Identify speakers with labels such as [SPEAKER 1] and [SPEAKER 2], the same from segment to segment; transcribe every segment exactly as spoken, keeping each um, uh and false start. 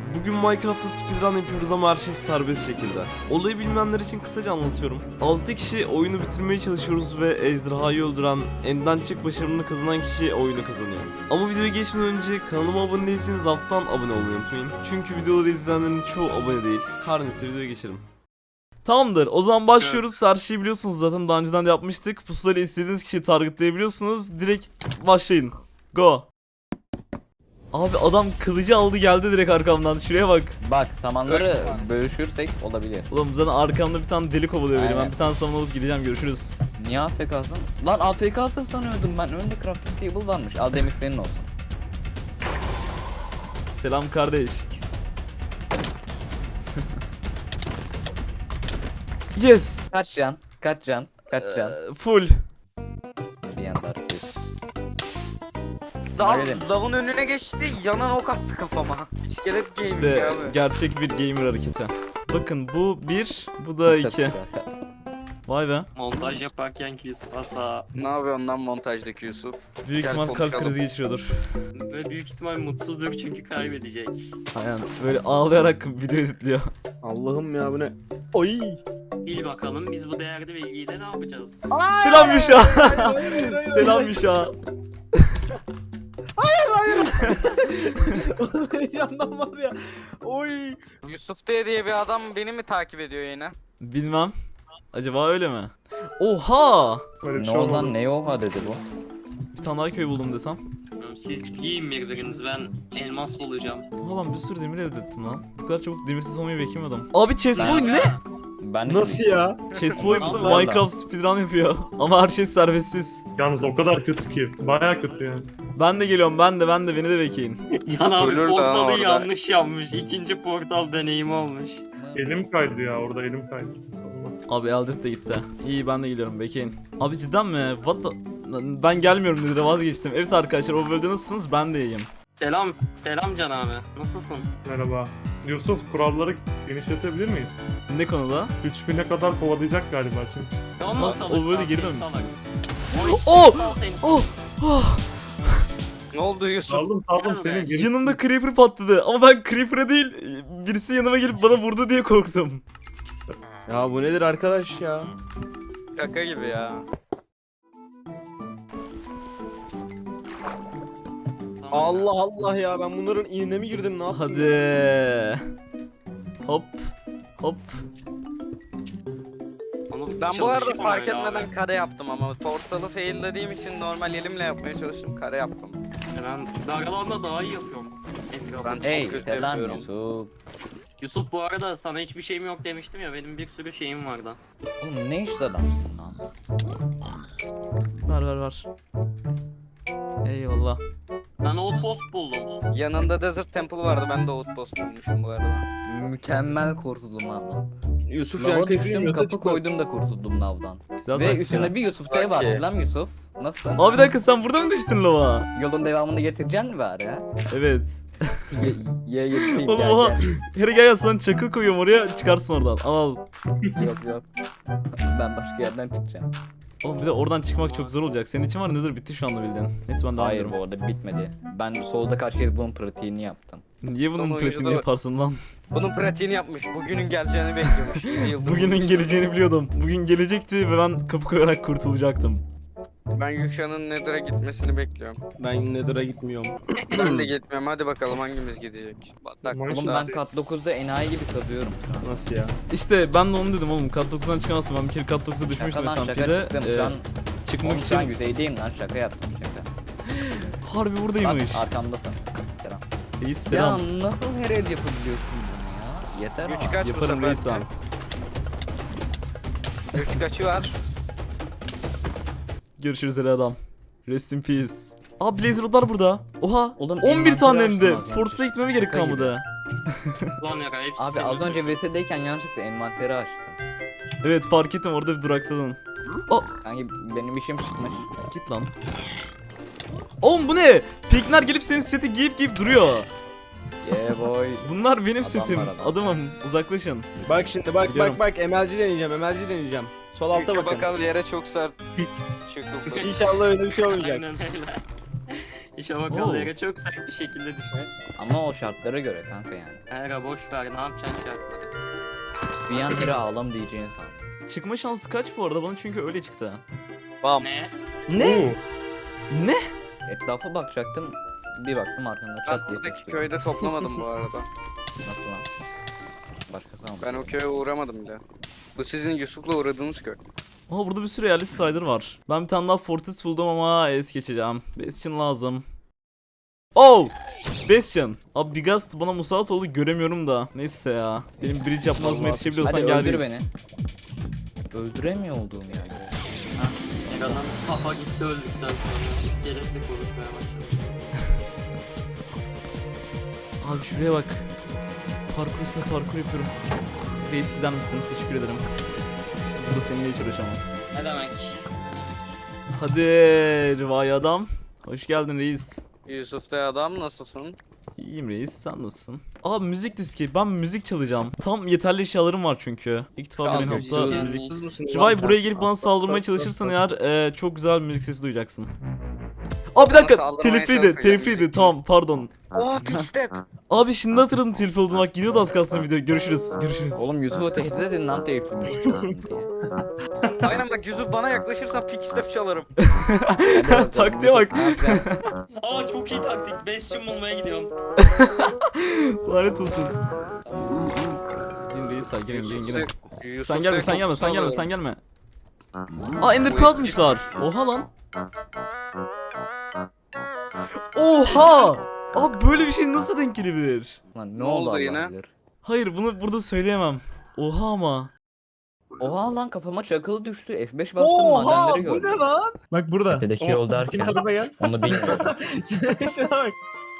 [SPEAKER 1] Bugün Minecraft'ta speedrun yapıyoruz ama her şey serbest şekilde. Olayı bilmeyenler için kısaca anlatıyorum. altı kişi oyunu bitirmeye çalışıyoruz ve ejderhayı öldüren, enden çık başarımını kazanan kişi oyunu kazanıyor. Ama videoya geçmeden önce kanalıma abone değilseniz alttan abone olmayı unutmayın. Çünkü videoları izleyenlerin çoğu abone değil. Her neyse videoya geçelim. Tamamdır. O zaman başlıyoruz. Her şeyi biliyorsunuz zaten, daha önceden de yapmıştık. Pusulayla istediğiniz kişiyi targetlayabiliyorsunuz. Direkt başlayın. Go. Abi adam kılıcı aldı geldi direkt arkamdan. Şuraya bak.
[SPEAKER 2] Bak samanları bölüşürsek olabilir.
[SPEAKER 1] Oğlum zaten arkamda bir tane deli kovalıyor beni. Ben
[SPEAKER 2] Aynen.
[SPEAKER 1] bir tane saman alıp gideceğim. Görüşürüz.
[SPEAKER 2] Niye A F K'sın? Lan A F K'sın sanıyordum ben. Önünde crafting table varmış. Al demir senin olsun.
[SPEAKER 1] Selam kardeş. Yes.
[SPEAKER 2] Kaç can? Kaç can? Kaç can?
[SPEAKER 1] Ee, full.
[SPEAKER 2] Bir yanda hareket.
[SPEAKER 3] Lav,
[SPEAKER 2] Öyle mi?
[SPEAKER 3] lavın önüne geçti, yanan ok attı kafama. İskelet gaming
[SPEAKER 1] İşte
[SPEAKER 3] abi.
[SPEAKER 1] gerçek bir gamer hareketi. Bakın bu bir, bu da iki. Vay be.
[SPEAKER 4] Montaj yaparken ki Yusuf Asa
[SPEAKER 3] Ne yapıyorsun lan montajdaki Yusuf?
[SPEAKER 1] Büyük
[SPEAKER 3] Gel
[SPEAKER 1] ihtimal kalp
[SPEAKER 3] konuşalım.
[SPEAKER 1] krizi geçiriyordur.
[SPEAKER 4] ve büyük ihtimal mutsuzdur çünkü kaybedecek.
[SPEAKER 1] Aynen böyle ağlayarak video editliyor.
[SPEAKER 5] Allah'ım ya bu ne? Oy!
[SPEAKER 4] Bil bakalım biz bu değerli bilgiyle ne yapacağız?
[SPEAKER 1] Selam Müşa.
[SPEAKER 5] Hayır hayır hayır.
[SPEAKER 1] Selam Müşa.
[SPEAKER 5] Oğlum heyecandan var ya. Oy!
[SPEAKER 3] Yusuf diye diye bir adam beni mi takip ediyor yine?
[SPEAKER 1] Bilmem. Acaba öyle mi? Oha!
[SPEAKER 2] Ne oldu lan, ne oha dedi bu?
[SPEAKER 1] Bir tane daha köy buldum desem.
[SPEAKER 4] Siz yiyin birbirinizi, ben elmas bulacağım.
[SPEAKER 1] Oha ben bir sürü demir elde ettim lan. Bu kadar çabuk demirsiz olmayı beklemiyordum. Abi Chessboy
[SPEAKER 4] Ben-
[SPEAKER 1] ne?
[SPEAKER 2] Ben de
[SPEAKER 5] Nasıl
[SPEAKER 2] şimdi-
[SPEAKER 5] ya?
[SPEAKER 1] Chessboy
[SPEAKER 2] Nasıl lan?
[SPEAKER 1] Minecraft speedrun yapıyor. Ama her şey serbestsiz.
[SPEAKER 6] Yalnız o kadar kötü ki. Bayağı kötü yani.
[SPEAKER 1] Ben de geliyorum, ben de ben de beni de bekleyin.
[SPEAKER 4] Can abi
[SPEAKER 3] Ölür daha
[SPEAKER 4] portalı
[SPEAKER 3] orada.
[SPEAKER 4] yanlış yapmış. İkinci portal deneyimi olmuş.
[SPEAKER 6] Elim kaydı ya orada elim kaydı.
[SPEAKER 1] Abi Eldet de gitti. İyi ben de geliyorum, bekleyin. Abi cidden mi? What the... Ben gelmiyorum dedi, vazgeçtim. Evet arkadaşlar, o bölümde nasılsınız? Ben de iyiyim.
[SPEAKER 4] Selam, selam Can abi. Nasılsın?
[SPEAKER 6] Merhaba. Yusuf, kuralları genişletebilir miyiz?
[SPEAKER 1] Ne konuda?
[SPEAKER 6] üç bine kadar kovalayacak galiba çünkü.
[SPEAKER 4] Ya
[SPEAKER 1] Nasıl?
[SPEAKER 4] salak,
[SPEAKER 1] O böyle
[SPEAKER 4] salak,
[SPEAKER 1] geri
[SPEAKER 4] salak.
[SPEAKER 1] dönmüşsünüz.
[SPEAKER 4] Oy,
[SPEAKER 1] Oh!
[SPEAKER 4] sal seni.
[SPEAKER 1] Oh! Oh!
[SPEAKER 3] Ne oldu Yusuf?
[SPEAKER 6] Saldım saldım
[SPEAKER 4] Gel
[SPEAKER 6] senin
[SPEAKER 4] be.
[SPEAKER 6] geri...
[SPEAKER 1] Yanımda Creeper patladı ama ben Creeper'a değil, birisi yanıma gelip bana vurdu diye korktum.
[SPEAKER 5] Ya bu nedir arkadaş ya?
[SPEAKER 3] Şaka gibi ya.
[SPEAKER 4] Tamam.
[SPEAKER 5] Allah Allah ya, ben bunların iğne mi girdim, ne yaptım?
[SPEAKER 1] Hadi. Hop. Hop.
[SPEAKER 4] Ama
[SPEAKER 3] Ben bu arada
[SPEAKER 4] çalışayım
[SPEAKER 3] fark
[SPEAKER 4] öyle
[SPEAKER 3] etmeden
[SPEAKER 4] abi.
[SPEAKER 3] kare yaptım ama portalı faillediğim için normal elimle yapmaya çalıştım, kare yaptım.
[SPEAKER 4] Ben Dargalan'da daha iyi yapıyorum. Etrafı.
[SPEAKER 3] Ben-
[SPEAKER 2] Hey
[SPEAKER 3] Çok kötü
[SPEAKER 2] selam
[SPEAKER 3] yapıyorum.
[SPEAKER 2] Yusuf.
[SPEAKER 4] Yusuf bu arada sana hiçbir şeyim yok demiştim ya, benim bir sürü şeyim vardı.
[SPEAKER 2] Oğlum ne işte adamsın lan?
[SPEAKER 1] Ver ver ver. Eyvallah.
[SPEAKER 4] Ben outpost buldum.
[SPEAKER 3] Yanında Desert Temple vardı, ben de Outpost bulmuşum bu arada.
[SPEAKER 2] Mükemmel kurtuldum lavdan.
[SPEAKER 5] Yusuf
[SPEAKER 2] Lava
[SPEAKER 5] yankı
[SPEAKER 2] düştüm,
[SPEAKER 5] yapıyor,
[SPEAKER 2] kapı
[SPEAKER 5] çıkma.
[SPEAKER 2] koydum da kurtuldum lavdan.
[SPEAKER 1] Güzel
[SPEAKER 2] Ve
[SPEAKER 1] taktik
[SPEAKER 2] üstünde
[SPEAKER 1] ya.
[SPEAKER 2] bir Yusuf T var.
[SPEAKER 3] Okey.
[SPEAKER 2] Lan Yusuf. Nasılsın?
[SPEAKER 1] Abi bir dakika, sen burada mı düştün lava?
[SPEAKER 2] Yolun devamını getireceksin mi bari ha?
[SPEAKER 1] Evet.
[SPEAKER 2] Ye ye getireyim
[SPEAKER 1] Oğlum
[SPEAKER 2] gel
[SPEAKER 1] oha.
[SPEAKER 2] gel.
[SPEAKER 1] Hele gel ya, sana çakıl koyuyorum oraya, çıkarsın oradan. Al al.
[SPEAKER 2] Yok yok. Ben başka yerden çıkacağım.
[SPEAKER 1] Oğlum bir de oradan çıkmak çok zor olacak. Senin için var, nedir bitti şu anda bildiğin. Neyse ben devam
[SPEAKER 2] Hayır
[SPEAKER 1] ediyorum.
[SPEAKER 2] bu arada bitmedi. Ben solda kaç kez bunun pratiğini yaptım.
[SPEAKER 1] Niye bunun
[SPEAKER 3] Ama
[SPEAKER 1] pratiğini
[SPEAKER 3] oyuncuda-
[SPEAKER 1] yaparsın lan?
[SPEAKER 3] Bunun pratiğini yapmış, bugünün geleceğini bekliyormuş. yedi yıldır
[SPEAKER 1] Bugünün
[SPEAKER 3] bulmuş.
[SPEAKER 1] geleceğini biliyordum. Bugün gelecekti ve ben kapı koyarak kurtulacaktım.
[SPEAKER 3] Ben Yuşa'nın Nether'a gitmesini bekliyorum.
[SPEAKER 5] Ben Nether'a gitmiyorum.
[SPEAKER 3] Ben de gitmiyorum, hadi bakalım hangimiz gidecek. Bak,
[SPEAKER 6] Oğlum
[SPEAKER 2] Oğlum ben kat dokuzda enayi gibi kazıyorum şu an.
[SPEAKER 5] Nasıl ya?
[SPEAKER 1] İşte ben de onu dedim oğlum, kat dokuzdan çıkamazsın. Ben bir kere kat dokuza düşmüştüm
[SPEAKER 2] Şaka lan şaka
[SPEAKER 1] S M P'de.
[SPEAKER 2] çıktım
[SPEAKER 1] Ee,
[SPEAKER 2] şu an.
[SPEAKER 1] çıkmak
[SPEAKER 2] Oğlum şu an
[SPEAKER 1] için
[SPEAKER 2] yüzeydeyim lan, şaka yaptım şaka.
[SPEAKER 1] harbi
[SPEAKER 2] Bak
[SPEAKER 1] buradaymış.
[SPEAKER 2] arkamdasın. Selam.
[SPEAKER 1] Reis selam.
[SPEAKER 2] Ya nasıl her el yapabiliyorsun bunu ya? Yeter
[SPEAKER 3] Güç
[SPEAKER 2] ama.
[SPEAKER 3] kaç bu
[SPEAKER 1] Yaparım
[SPEAKER 3] sefer?
[SPEAKER 1] reis ben.
[SPEAKER 3] Güç kaçı var?
[SPEAKER 1] Görüşürüz hele adam. Rest in peace. Aa Blaze Rod'lar burada. Oha.
[SPEAKER 2] Oğlum,
[SPEAKER 1] on bir tane hem de.
[SPEAKER 2] envanteri açtım az
[SPEAKER 1] Fortress'a gitmeme gerek
[SPEAKER 2] Şaka gibi.
[SPEAKER 1] kalmadı.
[SPEAKER 4] Lan ya hepsi
[SPEAKER 2] Abi
[SPEAKER 4] senin
[SPEAKER 2] az önce
[SPEAKER 4] suçun.
[SPEAKER 2] V S'deyken yanlışlıkla envanteri açtım.
[SPEAKER 1] Evet fark ettim, orada bir duraksadın.
[SPEAKER 2] Kanki benim işim çıkmış.
[SPEAKER 1] Git lan. Oğlum bu ne? Pikner gelip senin seti giyip giyip duruyor.
[SPEAKER 2] Yeah boy.
[SPEAKER 1] Bunlar benim
[SPEAKER 2] Adamlar
[SPEAKER 1] setim.
[SPEAKER 2] adam.
[SPEAKER 1] Adamım uzaklaşın.
[SPEAKER 5] Bak şimdi bak
[SPEAKER 1] Gidiyorum.
[SPEAKER 5] bak bak M L G deneyeceğim, M L G deneyeceğim. Sol alta
[SPEAKER 3] Güçe
[SPEAKER 5] bakın.
[SPEAKER 3] bakalım, yere çok sert çıkıldı.
[SPEAKER 5] İnşallah öyle bir şey olmayacak.
[SPEAKER 4] Aynen öyle. Şabakalı
[SPEAKER 1] Oo.
[SPEAKER 4] yere çok sert bir şekilde düştü.
[SPEAKER 2] Ama o şartlara göre kanka yani.
[SPEAKER 4] Herhalde boş ver, ne yapacaksın şartları.
[SPEAKER 2] Bir an biri ağlam diyeceğin san.
[SPEAKER 1] Çıkma şansı kaç bu arada? Bana çünkü öyle çıktı.
[SPEAKER 3] Bam.
[SPEAKER 4] Ne?
[SPEAKER 5] Ne?
[SPEAKER 1] Ne?
[SPEAKER 2] Etrafa bakacaktım. Bir baktım arkamda
[SPEAKER 3] Ben
[SPEAKER 2] çat diye
[SPEAKER 3] buradaki
[SPEAKER 2] ses
[SPEAKER 3] köyde toplamadım bu arada.
[SPEAKER 2] Nasıl lan? Başkası ama.
[SPEAKER 3] Ben o köye uğramadım bile. Bu sizin Yusuf'la uğradığınız köy.
[SPEAKER 1] Aa burada bir sürü yerli Strider var. Ben bir tane daha Fortress buldum ama es geçeceğim. Bastion lazım. Oh! Bastion. Abi Bigast bana musallat oldu, göremiyorum da. Neyse ya. Benim bridge yapmazıma yetişebiliyorsan
[SPEAKER 2] Hadi
[SPEAKER 1] gel
[SPEAKER 2] öldür
[SPEAKER 1] reis.
[SPEAKER 2] beni. Öldüremiyor olduğum yani.
[SPEAKER 4] Adam kafa gitti öldükten sonra iskeletle konuşmaya başladı.
[SPEAKER 1] Abi şuraya bak. Parkur üstüne parkur yapıyorum. Reis gider misin? Teşekkür ederim. Burada seninle hiç uğraşamam.
[SPEAKER 4] Ne demek?
[SPEAKER 1] Hadi Rivai adam. Hoş geldin reis.
[SPEAKER 3] Yusuf da adam nasılsın?
[SPEAKER 1] İyiyim reis, sen nasılsın? Abi müzik diski, ben müzik çalacağım. Tam yeterli eşyalarım var çünkü. İlk defa
[SPEAKER 3] Tamam,
[SPEAKER 1] bir
[SPEAKER 3] müzik.
[SPEAKER 1] nokta müzik. Rivai buraya gelip bana saldırmaya çalışırsan eğer e, çok güzel bir müzik sesi duyacaksın. Aa bir
[SPEAKER 3] Bana
[SPEAKER 1] dakika,
[SPEAKER 3] saldırmaya
[SPEAKER 1] telifliydi,
[SPEAKER 3] çalışmayacak
[SPEAKER 1] telifliydi,
[SPEAKER 3] müzik.
[SPEAKER 1] tamam pardon.
[SPEAKER 3] Oh pit step.
[SPEAKER 1] Abi şimdi hatırladım telif olduğunu, bak gidiyordu az kalsın video, görüşürüz, görüşürüz.
[SPEAKER 2] Oğlum Yusuf'u tehdit edin lan telifim yok şu an diye.
[SPEAKER 3] Aynen bak Yusuf bana yaklaşırsan pit step çalarım.
[SPEAKER 2] Hadi bakalım,
[SPEAKER 1] Taktiğe bak.
[SPEAKER 2] Ne yapacaksın?
[SPEAKER 4] Aa çok iyi taktik. Bastion bulmaya gidiyorum.
[SPEAKER 1] Lanet olsun. Gelin reis, say, gelin gelin gelin.
[SPEAKER 3] Yusuf
[SPEAKER 1] Sen gelme,
[SPEAKER 3] da
[SPEAKER 1] sen gelme, sen gelme,
[SPEAKER 3] kokusunu
[SPEAKER 1] sen gelme. Aa Ender Pearl atmışlar. Oha lan. Oha! Abi böyle bir şey nasıl denk gelebilir?
[SPEAKER 2] Lan ne
[SPEAKER 3] Ne
[SPEAKER 2] oldu
[SPEAKER 3] oldu
[SPEAKER 2] Allah
[SPEAKER 3] yine?
[SPEAKER 2] bilir.
[SPEAKER 1] Hayır bunu burada söyleyemem. Oha ama.
[SPEAKER 2] Oha lan kafama çakılı düştü. F beş bastım
[SPEAKER 5] Oha
[SPEAKER 2] madenleri
[SPEAKER 5] bu ne
[SPEAKER 2] gördüm.
[SPEAKER 5] lan?
[SPEAKER 6] Bak burada.
[SPEAKER 2] Tepedeki yol derken
[SPEAKER 5] Araba gel.
[SPEAKER 2] onu bilmiyorum.
[SPEAKER 5] Şuna bak.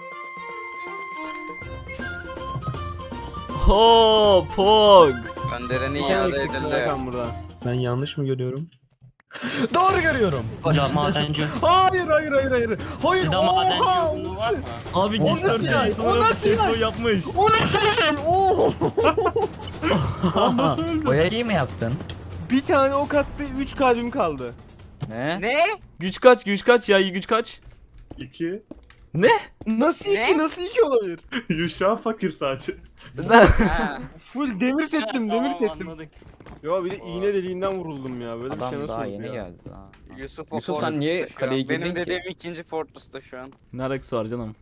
[SPEAKER 1] Ho pog.
[SPEAKER 3] Göndereni
[SPEAKER 5] Bir tane
[SPEAKER 3] iade
[SPEAKER 5] eksik
[SPEAKER 3] edildi.
[SPEAKER 5] Hakan burada.
[SPEAKER 6] Ben yanlış mı görüyorum? Doğru görüyorum.
[SPEAKER 4] Ya madenci.
[SPEAKER 5] Hayır hayır hayır hayır. Hayır.
[SPEAKER 4] Sizde
[SPEAKER 5] oha!
[SPEAKER 4] madenci uzunluğu var mı?
[SPEAKER 1] Abi
[SPEAKER 5] O
[SPEAKER 1] gençler
[SPEAKER 5] nasıl yani?
[SPEAKER 1] reis
[SPEAKER 5] O
[SPEAKER 1] olarak
[SPEAKER 5] nasıl
[SPEAKER 1] Testo
[SPEAKER 5] yani?
[SPEAKER 1] yapmış.
[SPEAKER 5] O nasıl şey? Oo!
[SPEAKER 1] Nasıl öldü?
[SPEAKER 2] Boyayı mı yaptın?
[SPEAKER 5] Bir tane ok attı, üç kalbim kaldı.
[SPEAKER 2] Ne?
[SPEAKER 3] Ne?
[SPEAKER 1] Güç kaç, güç kaç ya, iyi güç kaç?
[SPEAKER 6] İki.
[SPEAKER 5] Nasıl
[SPEAKER 3] Ne?
[SPEAKER 5] iki, nasıl iki olabilir?
[SPEAKER 6] Yuşa fakir sadece.
[SPEAKER 3] Ha.
[SPEAKER 5] Full demir settim, demir
[SPEAKER 4] Tamam,
[SPEAKER 5] settim.
[SPEAKER 4] anladık.
[SPEAKER 5] Yo bir de iğne deliğinden vuruldum ya. Böyle bir şey
[SPEAKER 2] Adam
[SPEAKER 5] nasıl
[SPEAKER 2] daha
[SPEAKER 5] olur
[SPEAKER 2] yeni
[SPEAKER 5] ya?
[SPEAKER 2] geldi lan.
[SPEAKER 3] Yusuf o
[SPEAKER 2] Yusuf, sen
[SPEAKER 3] Fortress'ta
[SPEAKER 2] niye
[SPEAKER 3] şu an.
[SPEAKER 2] kaleye girdin
[SPEAKER 3] Benim
[SPEAKER 2] ki?
[SPEAKER 3] dediğim ikinci Fortress'ta şu an.
[SPEAKER 1] Ne alakası var canım?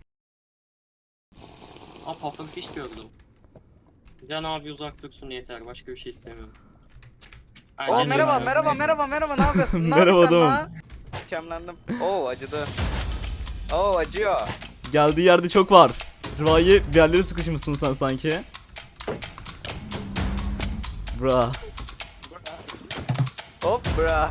[SPEAKER 4] Aa pufferfish gördüm. Can abi uzak dursun yeter. Başka bir şey istemiyorum.
[SPEAKER 3] Oo
[SPEAKER 4] Aynen
[SPEAKER 3] merhaba
[SPEAKER 4] öyle.
[SPEAKER 3] merhaba merhaba merhaba ne yapıyorsun? Ne
[SPEAKER 1] Merhaba
[SPEAKER 3] yapıyorsun
[SPEAKER 1] adamım.
[SPEAKER 3] lan? Mükemlendim. Oo acıdı. Oo acıyor.
[SPEAKER 1] Geldiği yerde çok var. Rivai bir yerlere sıkışmışsın sen sanki. Bra.
[SPEAKER 3] Hop bra.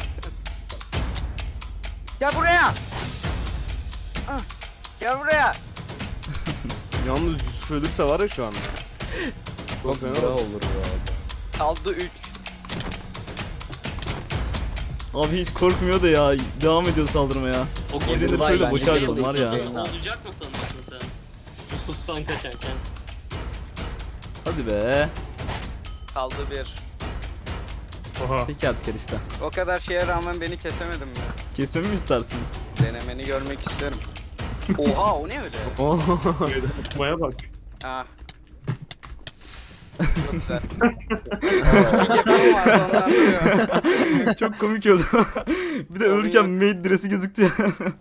[SPEAKER 3] Gel buraya. Ah, gel buraya.
[SPEAKER 5] Yalnız Yusuf ölürse var ya şu anda.
[SPEAKER 2] Çok
[SPEAKER 5] fena
[SPEAKER 2] güzel
[SPEAKER 5] oldu.
[SPEAKER 2] olur bu arada.
[SPEAKER 3] Kaldı üç.
[SPEAKER 1] Abi hiç korkmuyor da ya. Devam ediyor saldırmaya.
[SPEAKER 4] O
[SPEAKER 1] Elinde
[SPEAKER 4] geliyor.
[SPEAKER 1] böyle
[SPEAKER 2] ben
[SPEAKER 1] boşa
[SPEAKER 2] de
[SPEAKER 1] ayrıldım var ya.
[SPEAKER 2] izleyeceğim.
[SPEAKER 4] Olacak mı sanıyorsun sen? Yusuf'tan kaçarken.
[SPEAKER 1] Hadi be.
[SPEAKER 3] Kaldı bir.
[SPEAKER 6] Oha.
[SPEAKER 1] Peki artık işte.
[SPEAKER 3] O kadar şeye rağmen beni kesemedin mi?
[SPEAKER 1] Kesmemi mi istersin?
[SPEAKER 3] Denemeni görmek isterim. Oha o ne öyle?
[SPEAKER 6] Meydan okumaya bak.
[SPEAKER 3] Ah. Çok güzel. Yapımım vardı ondan duruyor.
[SPEAKER 1] Çok komik oldu. Bir de
[SPEAKER 3] Sorun
[SPEAKER 1] ölürken
[SPEAKER 3] yok.
[SPEAKER 1] maid dress'i gözüktü ya.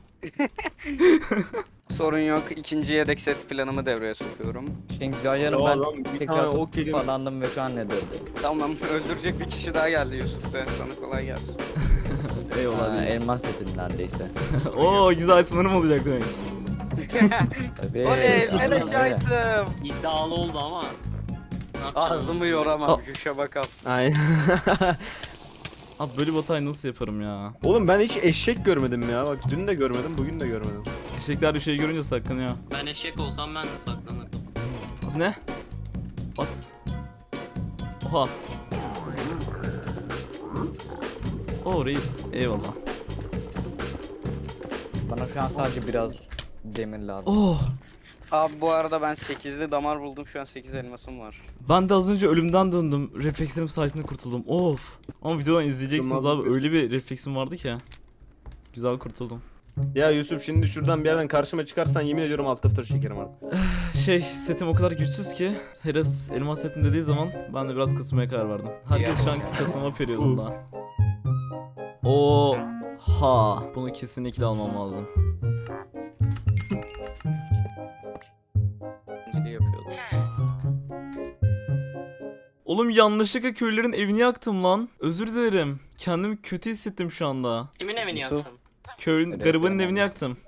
[SPEAKER 3] Sorun yok. İkinci yedek set planımı devreye sokuyorum.
[SPEAKER 2] İşin güzel yanı
[SPEAKER 5] Ya
[SPEAKER 2] ben
[SPEAKER 5] lan, bir
[SPEAKER 2] tekrar
[SPEAKER 5] tane ok
[SPEAKER 2] tutup
[SPEAKER 5] yedim.
[SPEAKER 2] falandım ve şu an ne döndü.
[SPEAKER 3] Tamam öldürecek bir kişi daha geldi Yusuf da. Sana kolay gelsin.
[SPEAKER 1] Eyvallah.
[SPEAKER 2] Ha,
[SPEAKER 1] reis.
[SPEAKER 2] elmas setin neredeyse.
[SPEAKER 1] Oo güzel itemlerim olacak demek.
[SPEAKER 2] Tabii.
[SPEAKER 3] Oley!
[SPEAKER 2] aynen
[SPEAKER 3] Beleş
[SPEAKER 2] öyle.
[SPEAKER 3] item!
[SPEAKER 4] İddialı oldu ama. Ne yapacağız?
[SPEAKER 3] Ağzımı yoramam. Güşe bakalım.
[SPEAKER 5] Aynen.
[SPEAKER 1] Abi böyle bir hatayı nasıl yaparım ya?
[SPEAKER 5] Oğlum ben hiç eşek görmedim ya. Bak dün de görmedim, bugün de görmedim.
[SPEAKER 1] Eşekler bir şey görünce saklanıyor.
[SPEAKER 4] Ben eşek olsam ben de saklanırım.
[SPEAKER 1] Abi ne? At. Oha. Oo reis. Eyvallah.
[SPEAKER 2] Bana şu an sadece biraz demir lazım.
[SPEAKER 1] Oh.
[SPEAKER 3] Abi bu arada ben sekizli damar buldum. Şu an sekiz elmasım var.
[SPEAKER 1] Ben de az önce ölümden döndüm. Reflekslerim sayesinde kurtuldum. Of. Ama videodan izleyeceksiniz
[SPEAKER 5] Tamam.
[SPEAKER 1] abi. Öyle bir refleksim vardı ki. Güzel kurtuldum.
[SPEAKER 5] Ya Yusuf şimdi şuradan bir yerden karşıma çıkarsan yemin ediyorum alt F dört çekerim artık.
[SPEAKER 1] Şey setim o kadar güçsüz ki Heras elmas setim dediği zaman ben de biraz kasılmaya karar verdim. Herkes şu an kasılma periyodunda. Oha, bunu kesinlikle almam lazım.
[SPEAKER 3] Şey yapıyordum.
[SPEAKER 1] Oğlum yanlışlıkla köylülerin evini yaktım lan. Özür dilerim. Kendimi kötü hissettim şu anda.
[SPEAKER 4] Kimin evini
[SPEAKER 2] Yusuf.
[SPEAKER 4] yaktın?
[SPEAKER 1] Köylün
[SPEAKER 2] Evet,
[SPEAKER 1] garibanın
[SPEAKER 2] evet.
[SPEAKER 1] evini yaktım.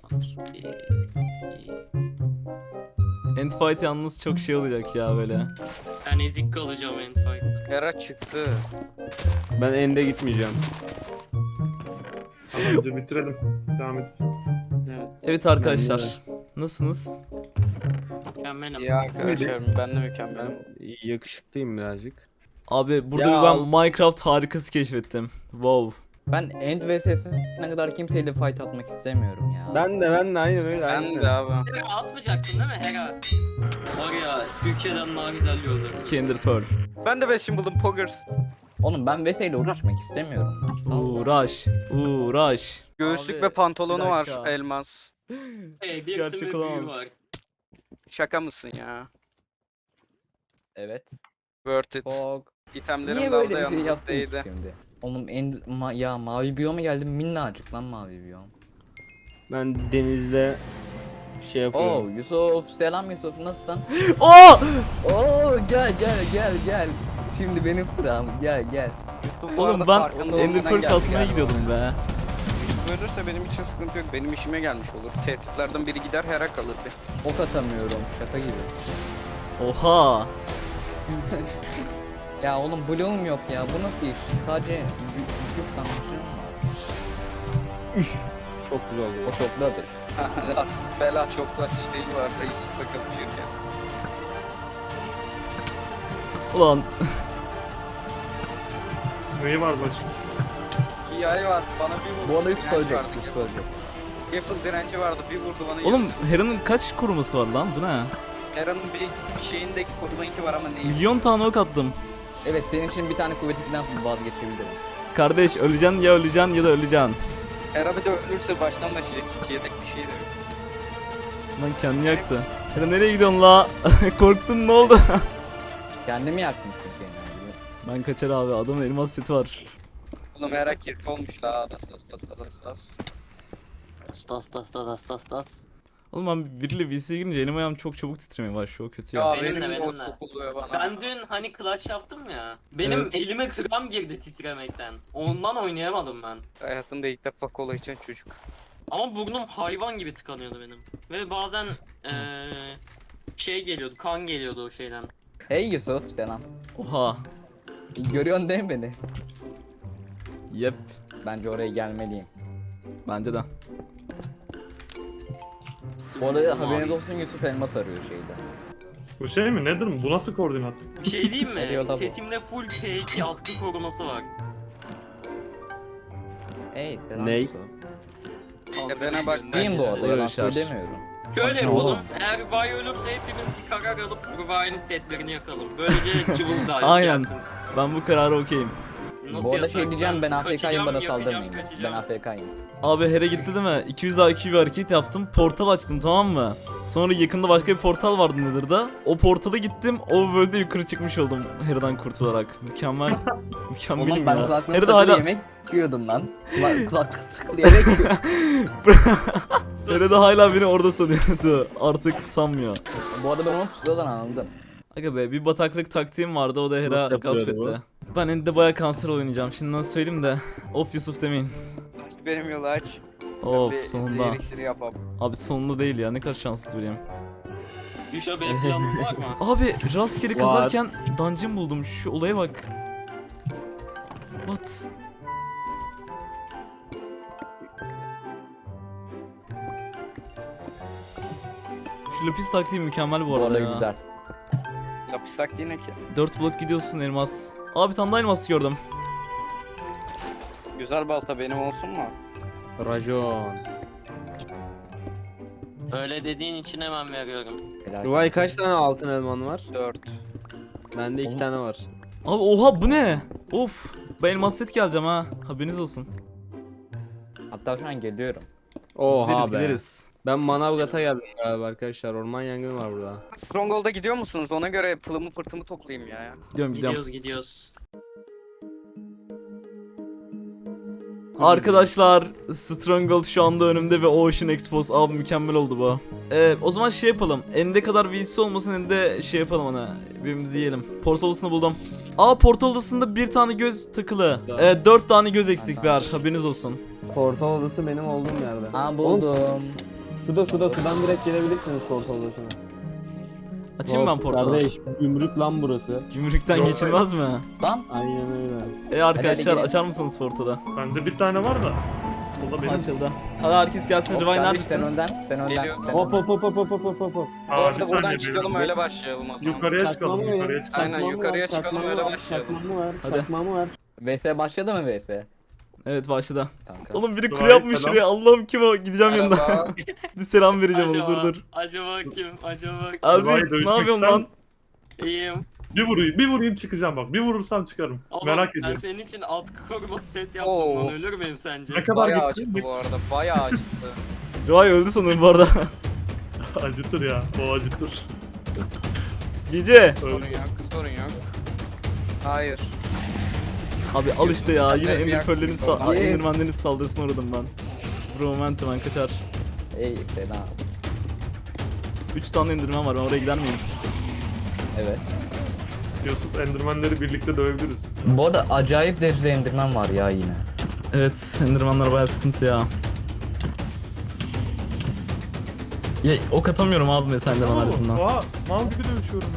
[SPEAKER 1] Endfight yalnız çok şey olacak ya böyle.
[SPEAKER 4] Ben ezik kalacağım en fight.
[SPEAKER 3] Hera çıktı.
[SPEAKER 5] Ben ende gitmeyeceğim.
[SPEAKER 6] Tamamca bitirelim. Devam et.
[SPEAKER 4] Evet.
[SPEAKER 1] Evet arkadaşlar. Nasılsınız?
[SPEAKER 4] Mükemmelim.
[SPEAKER 3] İyi arkadaşlar ben de mükemmelim.
[SPEAKER 5] Ben yakışıklıyım birazcık.
[SPEAKER 1] Abi burada
[SPEAKER 5] Ya
[SPEAKER 1] bir ben
[SPEAKER 5] al-
[SPEAKER 1] Minecraft harikası keşfettim. Wow.
[SPEAKER 2] Ben End vs'sine kadar kimseyle fight atmak istemiyorum ya.
[SPEAKER 5] Ben de ben de aynen öyle. aynen.
[SPEAKER 3] Ben de abi.
[SPEAKER 4] Hera atmayacaksın değil mi Hera? Var ya Türkiye'den daha güzel yollar.
[SPEAKER 1] Kinder Pearl.
[SPEAKER 3] Ben de beşim buldum Poggers.
[SPEAKER 2] Oğlum ben vs ile uğraşmak istemiyorum.
[SPEAKER 1] Uğraş. Uğraş.
[SPEAKER 3] Göğüslük
[SPEAKER 1] Abi,
[SPEAKER 3] ve pantolonu
[SPEAKER 1] bir
[SPEAKER 3] var
[SPEAKER 1] dakika.
[SPEAKER 3] elmas.
[SPEAKER 4] Hey bir
[SPEAKER 1] Gerçek
[SPEAKER 4] sürü büyü
[SPEAKER 1] olamaz.
[SPEAKER 4] var.
[SPEAKER 3] Şaka mısın ya?
[SPEAKER 2] Evet.
[SPEAKER 3] Worth it.
[SPEAKER 2] Fog.
[SPEAKER 3] İtemlerim
[SPEAKER 2] Niye
[SPEAKER 3] lavda
[SPEAKER 2] böyle bir şey yaptın ki
[SPEAKER 3] yanımdaydı.
[SPEAKER 2] şimdi? Oğlum end ma ya mavi biyoma geldim minnacık lan mavi biyom.
[SPEAKER 5] Ben denizde şey yapıyorum.
[SPEAKER 2] Oo Yusuf selam Yusuf nasılsın?
[SPEAKER 1] Oo!
[SPEAKER 2] Oo gel gel gel gel. Şimdi benim sıram gel gel.
[SPEAKER 3] Yusuf bu
[SPEAKER 1] Oğlum
[SPEAKER 3] arada
[SPEAKER 1] ben
[SPEAKER 3] farkında
[SPEAKER 1] Ender
[SPEAKER 3] olmadan
[SPEAKER 1] Pearl
[SPEAKER 3] geldi
[SPEAKER 1] kasmaya
[SPEAKER 3] galiba.
[SPEAKER 1] gidiyordum be.
[SPEAKER 3] Yusuf ölürse benim için sıkıntı yok. Benim işime gelmiş olur. Tehditlerden biri gider Hera kalır bir.
[SPEAKER 2] Ok atamıyorum şaka gibi.
[SPEAKER 1] Oha.
[SPEAKER 2] Ya oğlum bloğum yok ya bu nasıl iş? Sadece güç sanmışım var.
[SPEAKER 5] Çok güzel oldu.
[SPEAKER 2] O çokludur.
[SPEAKER 3] Asıl bela çoklu atış değil bu arada Yusuf'la kapışırken.
[SPEAKER 1] Ulan
[SPEAKER 6] Neyi var başka?
[SPEAKER 3] Hikaye var. Bana bir vurdu.
[SPEAKER 2] Bu arada Yusuf
[SPEAKER 3] direnç
[SPEAKER 2] ölecek
[SPEAKER 3] vardı.
[SPEAKER 2] Yusuf ölecek.
[SPEAKER 3] Gapple direnci vardı. Bir vurdu bana.
[SPEAKER 1] oğlum
[SPEAKER 3] yarısı.
[SPEAKER 1] Hera'nın kaç koruması var lan? Bu ne?
[SPEAKER 3] Hera'nın bir, bir şeyinde koruma iki var ama değil.
[SPEAKER 1] Milyon tane ok attım.
[SPEAKER 2] Evet senin için bir tane kuvvetinden vazgeçebilirim.
[SPEAKER 1] Kardeş öleceksin ya öleceksin ya da öleceksin.
[SPEAKER 3] Hera bir de ölürse baştan başlayacak. Hiç yedek bir şey de yok.
[SPEAKER 1] Lan kendini yaktı. Hera nereye gidiyorsun la? Korktun ne oldu?
[SPEAKER 2] Kendimi yaktım çünkü yani.
[SPEAKER 1] Ben kaçar abi, adamın elmas seti var.
[SPEAKER 3] Oğlum Hera kirpi olmuş la. Das das das das das.
[SPEAKER 4] Tas tas tas tas tas tas.
[SPEAKER 1] Oğlum ben biriyle V C'ye girince elim ayağım çok çabuk titremeye başlıyor, o kötü ya.
[SPEAKER 3] Ya
[SPEAKER 4] Benim
[SPEAKER 3] benim,
[SPEAKER 4] de,
[SPEAKER 3] de o
[SPEAKER 4] benim de.
[SPEAKER 3] çok oluyor bana.
[SPEAKER 4] Ben dün hani clutch yaptım ya. Benim
[SPEAKER 1] Evet.
[SPEAKER 4] elime kram girdi titremekten. Ondan oynayamadım ben.
[SPEAKER 3] Hayatımda ilk defa kola içen çocuk.
[SPEAKER 4] Ama burnum hayvan gibi tıkanıyordu benim. Ve bazen eee şey geliyordu, kan geliyordu o şeyden.
[SPEAKER 2] Hey Yusuf selam.
[SPEAKER 1] Oha.
[SPEAKER 2] Görüyorsun değil mi beni?
[SPEAKER 1] Yep.
[SPEAKER 2] Bence oraya gelmeliyim.
[SPEAKER 1] Bence de.
[SPEAKER 2] Bu arada
[SPEAKER 4] Mavi.
[SPEAKER 2] haberiniz olsun Yusuf elmas arıyor şeyde.
[SPEAKER 6] Bu şey mi? Nedir mi? Bu nasıl koordinat?
[SPEAKER 4] Bir şey diyeyim mi?
[SPEAKER 2] Geliyor da bu.
[SPEAKER 4] Setimde full P iki atkı koruması var.
[SPEAKER 2] Hey selam
[SPEAKER 5] Ney?
[SPEAKER 2] Yusuf.
[SPEAKER 3] E bana bak.
[SPEAKER 2] Diyeyim bu arada
[SPEAKER 1] Öyle
[SPEAKER 2] yalan
[SPEAKER 1] şarj.
[SPEAKER 2] söylemiyorum.
[SPEAKER 4] Şöyle
[SPEAKER 5] Oğlum.
[SPEAKER 4] yapalım. Eğer Rıvay ölürse hepimiz bir karar alıp Rıvay'ın setlerini yakalım. Böylece cıvıl da
[SPEAKER 1] Aynen.
[SPEAKER 4] gelsin.
[SPEAKER 1] Ben bu karara okeyim.
[SPEAKER 4] Nasıl
[SPEAKER 2] Bu arada
[SPEAKER 4] yasak
[SPEAKER 2] şey diyeceğim ben A F K'yim
[SPEAKER 4] Kaçacağım,
[SPEAKER 2] bana
[SPEAKER 4] yapacağım,
[SPEAKER 2] saldırmayın. Ben
[SPEAKER 4] kaçacağım.
[SPEAKER 2] A F K'yim.
[SPEAKER 1] Abi Hera gitti değil mi? iki yüz I Q bir hareket yaptım. Portal açtım, tamam mı? Sonra yakında başka bir portal vardı Nether'da. O portala gittim. O world'e yukarı çıkmış oldum Hera'dan kurtularak. Mükemmel. Mükemmelim
[SPEAKER 2] Oğlum ben
[SPEAKER 1] ya.
[SPEAKER 2] kulaklığım
[SPEAKER 1] Hera'da
[SPEAKER 2] takılı
[SPEAKER 1] hala
[SPEAKER 2] yemek yiyordum lan. Kulak- Kulaklık takılı yemek yiyordum.
[SPEAKER 1] Hera'da hala beni orada sanıyordu. Artık sanmıyor.
[SPEAKER 2] Bu arada ben onu pusuladan anladım.
[SPEAKER 1] Aga be, bir bataklık taktiğim vardı, o da Hera
[SPEAKER 5] Nasıl
[SPEAKER 1] gasp
[SPEAKER 5] yapılıyordu
[SPEAKER 1] etti. Ben End'de baya kanser oynayacağım. Şimdiden söyleyeyim de. Of Yusuf demeyin.
[SPEAKER 3] Aç benim yolu aç.
[SPEAKER 1] Of
[SPEAKER 3] Bir
[SPEAKER 1] sonunda.
[SPEAKER 3] zehir iksiri yapalım.
[SPEAKER 1] Abi sonunda değil ya, ne kadar şanssız biriyim.
[SPEAKER 4] Gülşah benim planım var mı?
[SPEAKER 1] Abi rastgele
[SPEAKER 5] Var.
[SPEAKER 1] kazarken dungeon buldum. Şu olaya bak. What? Şu lapis taktiği mükemmel bu
[SPEAKER 2] Bu
[SPEAKER 1] arada
[SPEAKER 2] arada
[SPEAKER 1] ya.
[SPEAKER 2] güzel.
[SPEAKER 3] Lapis taktiği ne ki?
[SPEAKER 1] dört blok gidiyorsun elmas. Abi tam da elmas gördüm.
[SPEAKER 3] Güzel balta benim olsun mu?
[SPEAKER 5] Rajon.
[SPEAKER 4] Öyle dediğin için hemen veriyorum.
[SPEAKER 2] Helal.
[SPEAKER 5] Ruvay kaç tane altın elman var?
[SPEAKER 3] Dört.
[SPEAKER 5] Bende iki
[SPEAKER 2] Oğlum.
[SPEAKER 5] tane var.
[SPEAKER 1] Abi oha, bu ne? Of. Ben elmas set geleceğim ha. Haberiniz olsun.
[SPEAKER 2] Hatta şu an geliyorum.
[SPEAKER 5] Oha
[SPEAKER 1] Gideriz
[SPEAKER 5] be.
[SPEAKER 1] gideriz.
[SPEAKER 5] Ben Manavgat'a geldim galiba arkadaşlar. Orman yangını var burada.
[SPEAKER 3] Stronghold'a gidiyor musunuz? Ona göre pılımı pırtımı toplayayım ya.
[SPEAKER 1] Gidiyorum gidiyorum.
[SPEAKER 4] Gidiyoruz gidiyoruz.
[SPEAKER 1] Arkadaşlar Stronghold şu anda önümde ve Ocean Expose abi mükemmel oldu bu. Ee, o zaman şey yapalım. Ende kadar V C olmasın ende şey yapalım ona. Birbirimizi yiyelim. Portal odasını buldum. Aa portal odasında bir tane göz takılı. Ee, dört tane göz eksik bir haberiniz olsun.
[SPEAKER 5] Portal odası benim olduğum yerde.
[SPEAKER 2] Ha
[SPEAKER 5] Oğlum,
[SPEAKER 2] buldum.
[SPEAKER 5] suda suda sudan direkt gelebilirsiniz portal odasına.
[SPEAKER 1] Açayım ben portalı.
[SPEAKER 5] Kardeş gümrük lan burası.
[SPEAKER 1] Gümrükten
[SPEAKER 6] Yok,
[SPEAKER 1] geçilmez mi?
[SPEAKER 2] Lan
[SPEAKER 5] Aynen öyle.
[SPEAKER 1] E arkadaşlar
[SPEAKER 2] hadi
[SPEAKER 1] açar mısınız portalı?
[SPEAKER 6] Bende bir tane var da. O da benim.
[SPEAKER 1] Açıldı. Hadi herkes gelsin.
[SPEAKER 2] hop,
[SPEAKER 1] Rivay
[SPEAKER 2] kardeş, sen
[SPEAKER 1] neredesin?
[SPEAKER 2] önden. Sen önden.
[SPEAKER 3] Geliyorum.
[SPEAKER 2] Sen
[SPEAKER 5] Hop
[SPEAKER 2] önden.
[SPEAKER 5] hop hop hop hop hop hop hop.
[SPEAKER 3] Bu
[SPEAKER 6] Aa,
[SPEAKER 3] arada
[SPEAKER 6] bir
[SPEAKER 3] buradan
[SPEAKER 6] saniye,
[SPEAKER 3] çıkalım
[SPEAKER 6] benim-
[SPEAKER 3] öyle başlayalım o zaman.
[SPEAKER 6] Yukarıya çıkalım,
[SPEAKER 5] Çakmağımı
[SPEAKER 6] yukarıya
[SPEAKER 5] ver,
[SPEAKER 6] çıkalım.
[SPEAKER 3] Aynen,
[SPEAKER 5] çakmağımı
[SPEAKER 3] yukarıya
[SPEAKER 5] ver,
[SPEAKER 3] çıkalım,
[SPEAKER 5] çakmağımı
[SPEAKER 3] öyle
[SPEAKER 5] ver,
[SPEAKER 3] başlayalım.
[SPEAKER 5] Çakmağımı ver,
[SPEAKER 1] Hadi.
[SPEAKER 5] çakmağımı ver.
[SPEAKER 2] V S başladı mı V S?
[SPEAKER 1] Evet başladı.
[SPEAKER 2] Kanka.
[SPEAKER 1] Oğlum biri kule
[SPEAKER 6] Rivay,
[SPEAKER 1] yapmış
[SPEAKER 6] selam.
[SPEAKER 1] şuraya. Allah'ım kim o? Gideceğim yanına.
[SPEAKER 3] Merhaba.
[SPEAKER 1] Bir selam vereceğim ona
[SPEAKER 4] Acaba,
[SPEAKER 1] dur dur.
[SPEAKER 4] acaba kim? Acaba kim?
[SPEAKER 1] Abi
[SPEAKER 6] Rivay,
[SPEAKER 1] ne yapıyorsun
[SPEAKER 6] dövüşmekten
[SPEAKER 1] lan?
[SPEAKER 4] İyiyim.
[SPEAKER 6] Bir vurayım, bir vurayım çıkacağım bak. Bir vurursam çıkarım.
[SPEAKER 4] Oğlum,
[SPEAKER 6] Merak
[SPEAKER 4] ben
[SPEAKER 6] ediyorum.
[SPEAKER 4] senin için alt koruması set yaptım
[SPEAKER 3] Oo.
[SPEAKER 4] lan, ölür müyüm sence?
[SPEAKER 6] Ne kadar
[SPEAKER 3] Bayağı
[SPEAKER 6] gittin?
[SPEAKER 3] acıttı bu arada. Bayağı acıttı.
[SPEAKER 1] Rivay öldü sanırım bu arada.
[SPEAKER 6] Acıtır ya, o acıtır.
[SPEAKER 1] Cici.
[SPEAKER 3] Sorun
[SPEAKER 6] Öldü.
[SPEAKER 3] yok, sorun yok. Hayır.
[SPEAKER 1] Abi al işte ya. Yine
[SPEAKER 3] Ben de bir
[SPEAKER 1] Enderpearl'lerin
[SPEAKER 3] yaklaşık oradan.
[SPEAKER 1] sa- Enderman'lerin saldırısına uğradım ben. Broment hemen kaçar.
[SPEAKER 2] Ey fena.
[SPEAKER 1] üç tane Enderman var. Ben oraya gider miyim?
[SPEAKER 2] Evet.
[SPEAKER 6] Yusuf, Enderman'leri birlikte dövebiliriz.
[SPEAKER 2] Bu arada acayip derecede Enderman var ya yine.
[SPEAKER 1] Evet, Enderman'lar bayağı sıkıntı ya. Ya ok atamıyorum abi mesela Enderman arasından.
[SPEAKER 6] Oha, mal gibi dövüşüyorum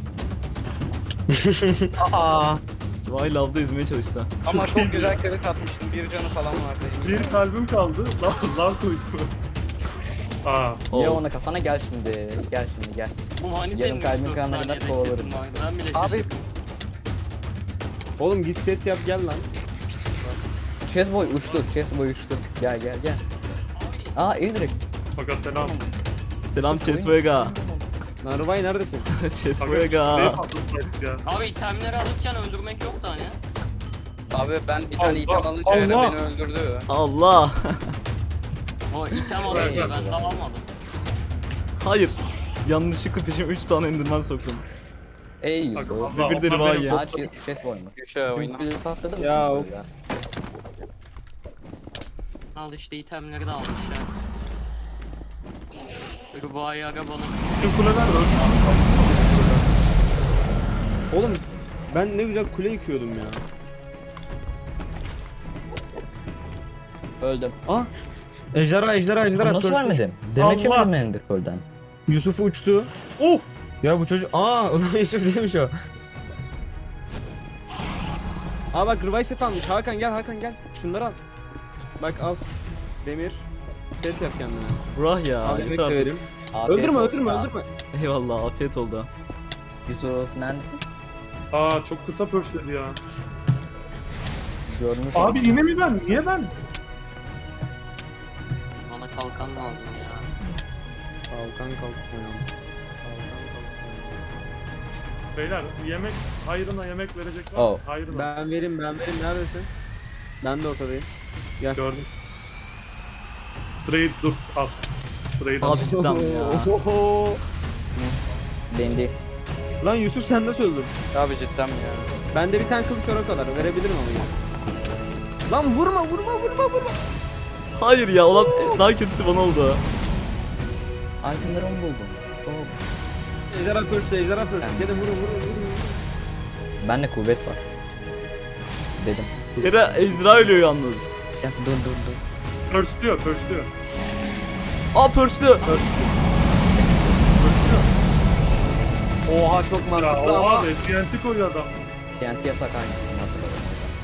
[SPEAKER 6] ya.
[SPEAKER 1] Aa. Vay lavda yüzmeye çalıştı.
[SPEAKER 3] Ama
[SPEAKER 6] Çok
[SPEAKER 3] çok
[SPEAKER 6] iyiydi.
[SPEAKER 3] güzel crit atmıştım. Bir canı falan vardı. eminim.
[SPEAKER 6] Bir kalbim kaldı. Lan, lan koydum. Aa,
[SPEAKER 2] Ya
[SPEAKER 1] Oo.
[SPEAKER 2] ona kafana gel şimdi. Gel şimdi gel.
[SPEAKER 4] Bu hani
[SPEAKER 2] Yarım
[SPEAKER 4] senin
[SPEAKER 2] kalbin
[SPEAKER 4] üç dört
[SPEAKER 2] kanına
[SPEAKER 4] tane
[SPEAKER 2] kadar
[SPEAKER 4] yedek
[SPEAKER 2] kovalarım.
[SPEAKER 4] setin vardı. Ben bile
[SPEAKER 3] Abi
[SPEAKER 4] şaşırdım.
[SPEAKER 5] Oğlum git set yap gel lan.
[SPEAKER 2] Chessboy uçtu. Chessboy uçtu. Gel gel gel. Aa iyi direkt.
[SPEAKER 6] fakat selam.
[SPEAKER 1] Selam Chesboyga.
[SPEAKER 5] Lan Rıvay neredesin?
[SPEAKER 6] Fakat
[SPEAKER 1] Chesboyga.
[SPEAKER 6] şuraya patlatmayız ya.
[SPEAKER 4] Abi itemleri alırken öldürmek yoktu hani.
[SPEAKER 3] Abi ben bir tane
[SPEAKER 6] Allah,
[SPEAKER 3] item alınca Eren
[SPEAKER 6] Allah.
[SPEAKER 3] beni öldürdü.
[SPEAKER 1] Allah.
[SPEAKER 4] O item alınca ben de almadım.
[SPEAKER 1] Hayır. Yanlışlıkla peşime üç tane Enderman soktum.
[SPEAKER 2] Ey Yusuf.
[SPEAKER 6] Allah,
[SPEAKER 1] Bir de
[SPEAKER 6] onlar
[SPEAKER 1] Rivay
[SPEAKER 6] benim-
[SPEAKER 1] ya.
[SPEAKER 2] Aa Chess- Chessboy mu?
[SPEAKER 3] Köşe oyna.
[SPEAKER 2] Bir patladı mı?
[SPEAKER 5] Ya, of.
[SPEAKER 4] Al işte itemleri de almış ya. Ruba'yı ara bana.
[SPEAKER 6] Bütün kuleler öldü.
[SPEAKER 5] Oğlum ben ne güzel kule yıkıyordum ya.
[SPEAKER 2] Öldüm.
[SPEAKER 5] Ah! Ejderha ejderha ejderha.
[SPEAKER 2] Nasıl
[SPEAKER 5] Törstü.
[SPEAKER 2] vermedim? Demek
[SPEAKER 6] Allah.
[SPEAKER 2] yemedim Ender Pearl'den.
[SPEAKER 5] Yusuf uçtu.
[SPEAKER 6] Oh!
[SPEAKER 5] Ya bu çocuk... Aa ulan Yusuf değilmiş o. Aa bak Rıvay set almış. Hakan gel Hakan gel. Şunları al. Bak al. Demir. Set yap kendine.
[SPEAKER 1] Burah ya.
[SPEAKER 5] Al
[SPEAKER 1] yeter
[SPEAKER 5] yemek de
[SPEAKER 1] artık.
[SPEAKER 5] vereyim.
[SPEAKER 2] Afiyet
[SPEAKER 5] Öldürme
[SPEAKER 2] olsun
[SPEAKER 5] öldürme
[SPEAKER 2] abi.
[SPEAKER 5] öldürme.
[SPEAKER 1] Eyvallah afiyet oldu.
[SPEAKER 2] Yusuf neredesin?
[SPEAKER 6] Aa, çok kısa pörşledi ya.
[SPEAKER 2] Görünüş.
[SPEAKER 6] Abi yine mi ben? Niye ben?
[SPEAKER 4] Bana kalkan lazım ya.
[SPEAKER 5] Kalkan kalkan.
[SPEAKER 6] Beyler, yemek, hayrına yemek verecek var.
[SPEAKER 2] Oh.
[SPEAKER 6] mı? Hayrına.
[SPEAKER 5] Ben vereyim ben vereyim neredesin? Ben de ortadayım.
[SPEAKER 6] Gördüm. Trade dur, al. Trade al.
[SPEAKER 1] Abi cidden ya.
[SPEAKER 5] Ohoho.
[SPEAKER 2] Dendi.
[SPEAKER 5] Lan Yusuf sen nasıl öldün?
[SPEAKER 3] Abi cidden mi ya?
[SPEAKER 5] Bende bir tane kılıç var o kadar. Verebilirim ama ya. Lan vurma vurma vurma vurma.
[SPEAKER 1] Hayır ya ulan daha kötüsü bana oldu.
[SPEAKER 2] Arkamda onu buldum. Oh.
[SPEAKER 5] Ejderha pörçtü ejderha pörçtü.
[SPEAKER 2] Ben-
[SPEAKER 5] Gelin vurun vurun vurun.
[SPEAKER 2] Bende kuvvet var. Dedim.
[SPEAKER 1] Hera Ezra ölüyor yalnız.
[SPEAKER 2] Ya dur dur dur.
[SPEAKER 6] Pörşlüyor, pörşlüyor.
[SPEAKER 1] Aa pörçlü.
[SPEAKER 5] Oha çok
[SPEAKER 6] Ya
[SPEAKER 5] mantıklı ama.
[SPEAKER 6] oha be, T N T koyuyor adam.
[SPEAKER 2] T N T yasak aynı. Hatırladım.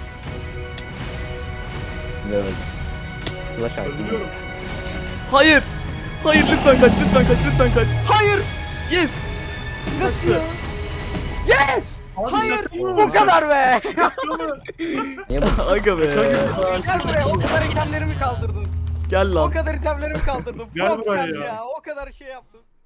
[SPEAKER 2] Ve öldüm. Flash out.
[SPEAKER 6] Öldürüyorum.
[SPEAKER 1] Hayır. Hayır lütfen kaç lütfen kaç lütfen kaç. Hayır. Yes. Kaçtı.
[SPEAKER 3] Yes!
[SPEAKER 6] Hayır.
[SPEAKER 3] Bu kadar be!
[SPEAKER 2] Niye bu?
[SPEAKER 1] Aga be.
[SPEAKER 3] Gel buraya, o kadar itemlerimi kaldırdın.
[SPEAKER 1] Gel
[SPEAKER 3] O
[SPEAKER 1] lan.
[SPEAKER 3] kadar itemlerimi kaldırdım.
[SPEAKER 6] Gel
[SPEAKER 3] Çok
[SPEAKER 6] buraya
[SPEAKER 3] sen
[SPEAKER 6] ya.
[SPEAKER 3] ya. O kadar şey yaptım.